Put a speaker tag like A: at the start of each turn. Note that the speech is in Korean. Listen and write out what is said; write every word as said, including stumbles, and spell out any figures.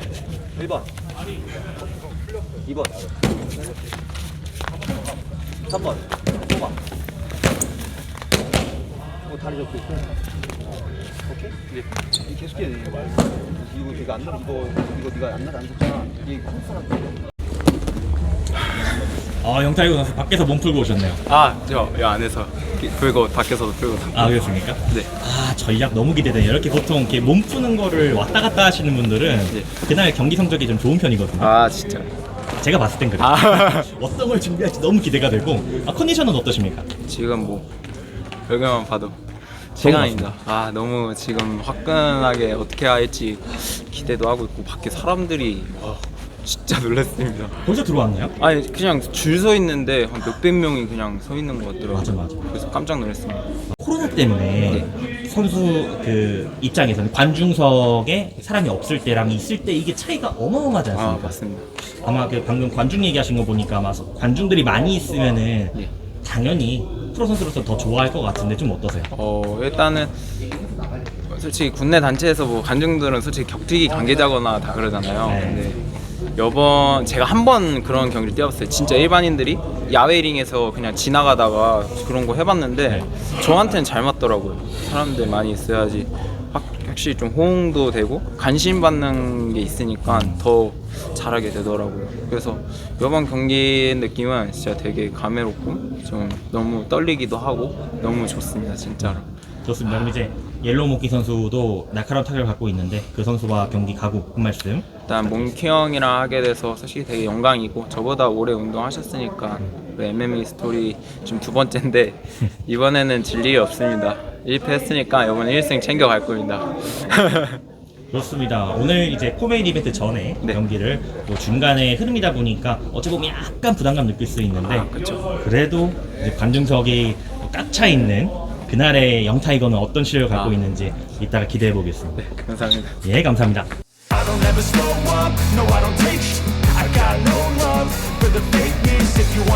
A: 일 번 이 번 삼 번 뽑아. 어, 다리 접고 있고. 어, 오케이? 네. 이 계속 해야 돼. 이거 말고. 이거 네가 안 나, 이거 이거 네가 안 나, 안 줬잖아. 이게 컨스트한테.
B: 아, 영타이거 선수 밖에서 몸 풀고 오셨네요.
C: 아, 저 이 안에서 풀고 밖에서도 풀고.
B: 아, 그렇습니까?
C: 네.
B: 아, 전략 너무 기대되네요. 이렇게 보통 이렇게 몸 푸는 거를 왔다 갔다 하시는 분들은
C: 네.
B: 그날 경기 성적이 좀 좋은 편이거든요.
C: 아, 진짜.
B: 제가 봤을 땐 그래요.
C: 아.
B: 어떤 걸 준비할지 너무 기대가 되고. 아, 컨디션은 어떠십니까?
C: 지금 뭐 여기만 봐도 시간입니다. 아, 너무 지금 화끈하게 어떻게 할지 기대도 하고 있고 밖에 사람들이 와, 진짜 놀랐습니다.
B: 벌써 들어왔나요?
C: 아니 그냥 줄 서 있는데 한 몇백 명이 그냥 서 있는 것 같더라고요.
B: 맞아, 맞아.
C: 그래서 깜짝 놀랐습니다.
B: 코로나 때문에 선수 그 입장에서는 관중석에 사람이 없을 때랑 있을 때 이게 차이가 어마어마하지
C: 아,
B: 않습니까?
C: 맞습니다.
B: 아마 그 방금 관중 얘기하신 거 보니까 아마 관중들이 많이 있으면은
C: 예.
B: 당연히 프로 선수로서 더 좋아할 것 같은데 좀 어떠세요?
C: 어, 일단은 솔직히 국내 단체에서 뭐 관중들은 솔직히 격투기 관계자거나 다 그러잖아요.
B: 네.
C: 근데 여번 제가 한 번 그런 경기를 뛰어봤어요. 진짜 일반인들이 야외 링에서 그냥 지나가다가 그런 거 해봤는데
B: 네.
C: 저한테는 잘 맞더라고요. 사람들 많이 있어야지 확, 확실히 좀 호응도 되고 관심 받는 게 있으니까 더 잘하게 되더라고요. 그래서 이번 경기 느낌은 진짜 되게 감회롭고 좀 너무 떨리기도 하고 너무 좋습니다, 진짜로.
B: 좋습니다. 그럼 이제 옐로우 모키 선수도 날카로운 타격을 갖고 있는데 그 선수와 경기 가고 한 말씀.
C: 일단 몽키 형이랑 하게 돼서 솔직히 되게 영광이고 저보다 오래 운동하셨으니까 그 엠엠에이 스토리 지금 두 번째인데 이번에는 질 일이 없습니다. 일 패 했으니까 이번에 일 승 챙겨갈 겁니다.
B: 그렇습니다. 오늘 이제 포메인 이벤트 전에
C: 네.
B: 경기를 뭐 중간에 흐름이다 보니까 어찌 보면 약간 부담감 느낄 수 있는데
C: 아, 그쵸.
B: 그래도 이제 관중석이 꽉 차 있는 그날의 영타이거는 어떤 실력을 갖고
C: 아.
B: 있는지 이따가 기대해 보겠습니다.
C: 네, 감사합니다.
B: 예, 감사합니다.
D: I don't ever slow up, no I don't take sh- I got no love for the fakeness. If you